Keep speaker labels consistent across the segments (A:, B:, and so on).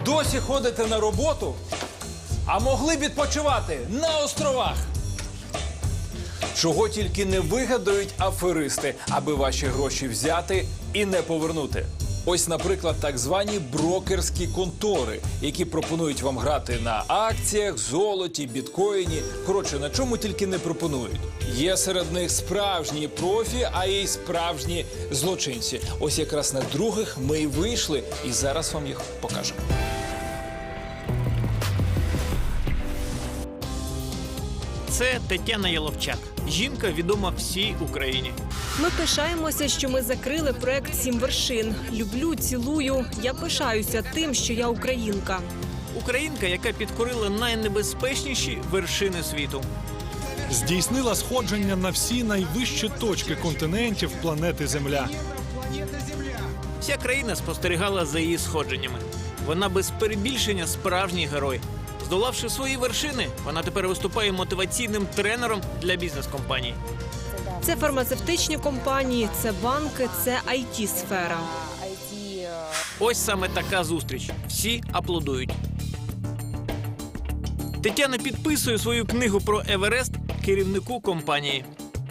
A: Досі ходите на роботу, а могли б відпочивати на островах. Чого тільки не вигадають аферисти, аби ваші гроші взяти і не повернути. Ось, наприклад, так звані брокерські контори, які пропонують вам грати на акціях, золоті, біткоїні. Коротше, на чому тільки не пропонують. Є серед них справжні профі, а є й справжні злочинці. Ось якраз на других ми й вийшли, і зараз вам їх покажемо.
B: Це Тетяна Яловчак. Жінка відома всій Україні.
C: Ми пишаємося, що ми закрили проект «7 вершин». Люблю, цілую. Я пишаюся тим, що я українка.
B: Українка, яка підкорила найнебезпечніші вершини світу.
D: Здійснила сходження на всі найвищі точки континентів планети Земля.
B: Вся країна спостерігала за її сходженнями. Вона без перебільшення справжній герой. Здолавши свої вершини, вона тепер виступає мотиваційним тренером для бізнес-компаній.
C: Це фармацевтичні компанії, це банки, це IT-сфера.
B: Ось саме така зустріч. Всі аплодують. Тетяна підписує свою книгу про Еверест керівнику компанії.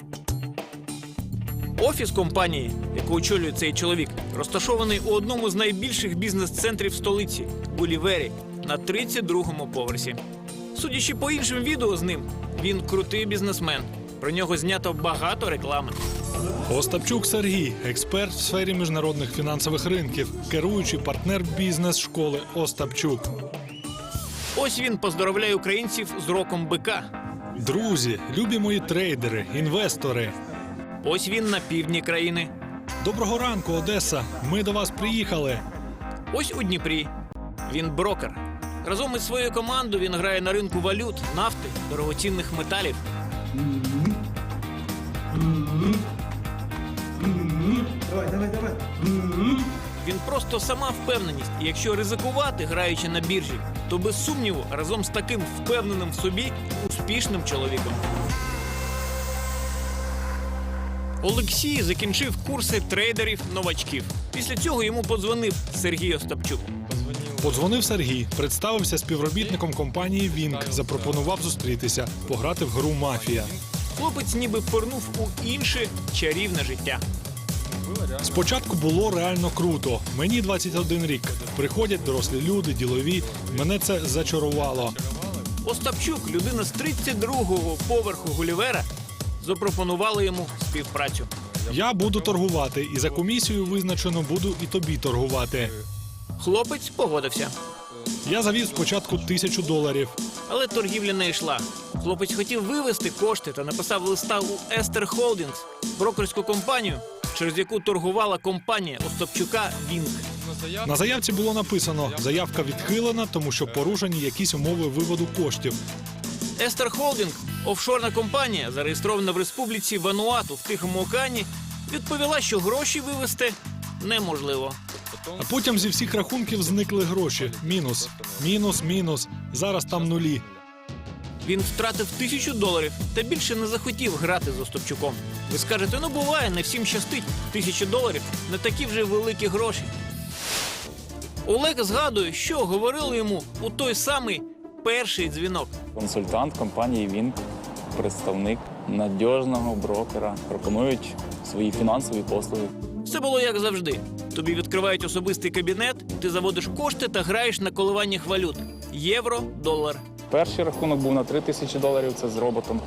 B: Офіс компанії, яку очолює цей чоловік, розташований у одному з найбільших бізнес-центрів столиці – Гулівері, на 32-му поверсі. Судячи по іншим відео з ним, він крутий бізнесмен. Про нього знято багато реклами.
D: Остапчук Сергій – експерт в сфері міжнародних фінансових ринків, керуючий партнер бізнес-школи Остапчук.
B: Ось він поздоровляє українців з роком бика.
D: Друзі, любі мої трейдери, інвестори.
B: Ось він на півдні країни.
D: Доброго ранку, Одеса. Ми до вас приїхали.
B: Ось у Дніпрі. Він брокер. Разом із своєю командою він грає на ринку валют, нафти, дорогоцінних металів.
E: Давай.
B: Він просто сама впевненість. І якщо ризикувати, граючи на біржі, то без сумніву разом з таким впевненим в собі успішним чоловіком. Олексій закінчив курси трейдерів-новачків. Після цього йому подзвонив Сергій Остапчук.
D: Подзвонив Сергій, представився співробітником компанії «Вінк», запропонував зустрітися, пограти в гру «Мафія».
B: Хлопець ніби пирнув у інше чарівне життя.
D: Спочатку було реально круто. Мені 21 рік. Приходять дорослі люди, ділові. Мене це зачарувало.
B: Остапчук, людина з 32-го поверху Гулівера, запропонували йому співпрацю.
D: Я буду торгувати, і за комісію визначено буду і тобі торгувати.
B: Хлопець погодився.
D: Я завів спочатку $1000.
B: Але торгівля не йшла. Хлопець хотів вивести кошти та написав листа у Естер Холдінгс, брокерську компанію, через яку торгувала компанія Остапчука «Вінк».
D: На заявці було написано: заявка відхилена, тому що порушені якісь умови виводу коштів.
B: Естер Холдінг, офшорна компанія, зареєстрована в республіці Вануату в Тихому океані, відповіла, що гроші вивести неможливо.
D: А потім зі всіх рахунків зникли гроші. Мінус. Зараз там нулі.
B: Він втратив $1000 та більше не захотів грати з Остапчуком. Ви скажете, ну буває, не всім щастить. $1000 – не такі вже великі гроші. Олег згадує, що говорили йому у той самий перший дзвінок.
F: Консультант компанії «Вінк», представник надіжного брокера, пропонують свої фінансові послуги.
B: Все було як завжди. Тобі відкривають особистий кабінет, ти заводиш кошти та граєш на коливаннях валют. Євро, долар.
F: Перший рахунок був на $3000, це з роботом.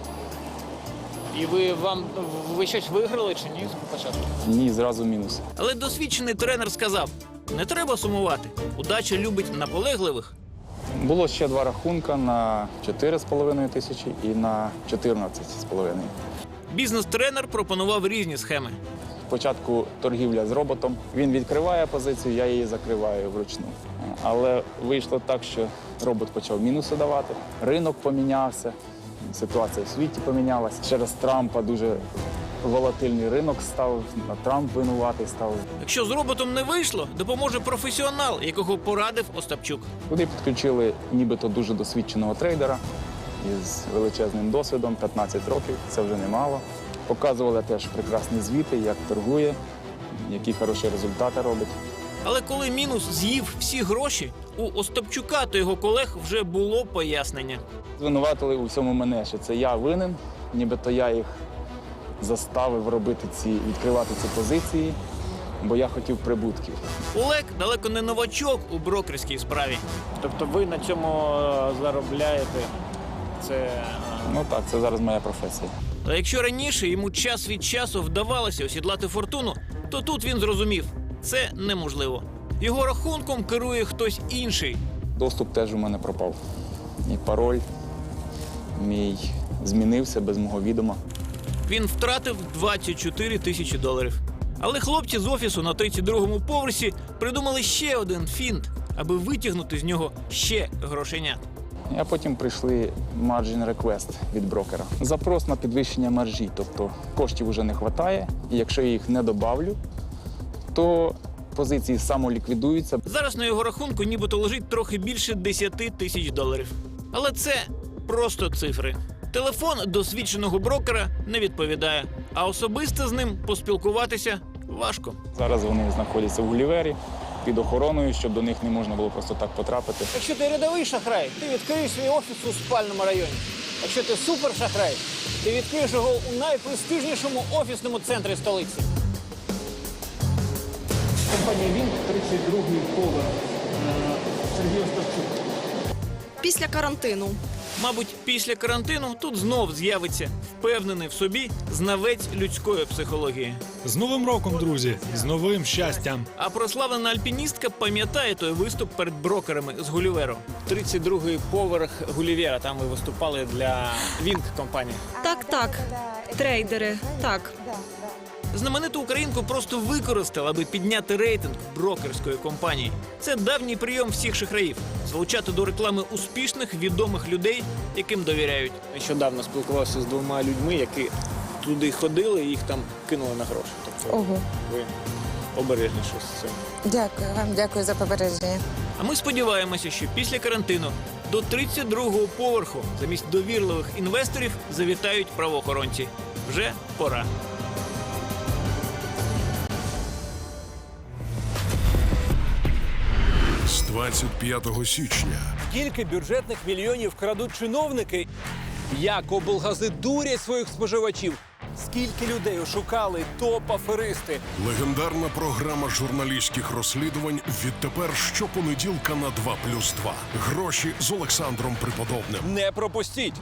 B: І ви щось виграли чи ні спочатку?
F: Ні, зразу мінус.
B: Але досвідчений тренер сказав, не треба сумувати. Удача любить наполегливих.
F: Було ще 2 рахунка на 4500 і на 14,5.
B: Бізнес-тренер пропонував різні схеми.
F: Спочатку торгівля з роботом. Він відкриває позицію, я її закриваю вручну. Але вийшло так, що робот почав мінуси давати, ринок помінявся, ситуація в світі помінялася. Через Трампа дуже волатильний ринок став, а Трамп винуватий став.
B: Якщо з роботом не вийшло, допоможе професіонал, якого порадив Остапчук.
F: Туди підключили нібито дуже досвідченого трейдера із величезним досвідом, 15 років, це вже немало. Показували теж прекрасні звіти, як торгує, які хороші результати робить.
B: Але коли мінус з'їв всі гроші, у Остапчука та його колег вже було пояснення.
F: Звинуватили у всьому мене, що це я винен, нібито я їх заставив відкривати ці позиції, бо я хотів прибутків.
B: Олег далеко не новачок у брокерській справі.
G: Тобто ви на цьому заробляєте? Це
F: Ну так, це зараз моя професія.
B: Та якщо раніше йому час від часу вдавалося осідлати фортуну, то тут він зрозумів – це неможливо. Його рахунком керує хтось інший.
F: Доступ теж у мене пропав. І пароль мій змінився без мого відома.
B: Він втратив 24 тисячі доларів. Але хлопці з офісу на 32-му поверсі придумали ще один фінт, аби витягнути з нього ще грошенят.
F: А потім прийшли margin request від брокера. Запрос на підвищення маржі, тобто коштів вже не вистачає, і якщо я їх не добавлю, то позиції самоліквідуються.
B: Зараз на його рахунку нібито лежить трохи більше 10 тисяч доларів. Але це просто цифри. Телефон досвідченого брокера не відповідає, а особисто з ним поспілкуватися важко.
F: Зараз вони знаходяться в Гулівері під охороною, щоб до них не можна було просто так потрапити.
G: якщо ти рядовий шахрай, ти відкриєш свій офіс у спальному районі. Якщо ти супершахрай, ти відкриєш його у найпрестижнішому офісному центрі столиці. Компанія «Вінк», 32-й поверх. Сергій Остапчук.
C: Після карантину.
B: Мабуть, після карантину тут знов з'явиться впевнений в собі знавець людської психології.
D: З Новим роком, друзі! З новим щастям!
B: А прославлена альпіністка пам'ятає той виступ перед брокерами з Гуліверу.
G: 32-й поверх Гулівера. Там ви виступали для «Вінк» компанії.
C: Так. Трейдери. Так.
B: Знамениту українку просто використали, аби підняти рейтинг брокерської компанії. Це давній прийом всіх шахраїв – залучати до реклами успішних, відомих людей, яким довіряють.
G: Нещодавно спілкувався з двома людьми, які туди ходили і їх там кинули на гроші. Тобто
H: Ого.
G: ви обережніше з цим.
H: Дякую вам, дякую за попередження.
B: А ми сподіваємося, що після карантину до 32-го поверху замість довірливих інвесторів завітають правоохоронці. Вже пора.
I: З 25 січня
A: Скільки бюджетних мільйонів крадуть чиновники? Як облгази дурять своїх споживачів? Скільки людей ошукали топ-аферисти?
I: легендарна програма журналістських розслідувань відтепер щопонеділка на 2+2. Гроші з Олександром Приподобним.
A: Не пропустіть!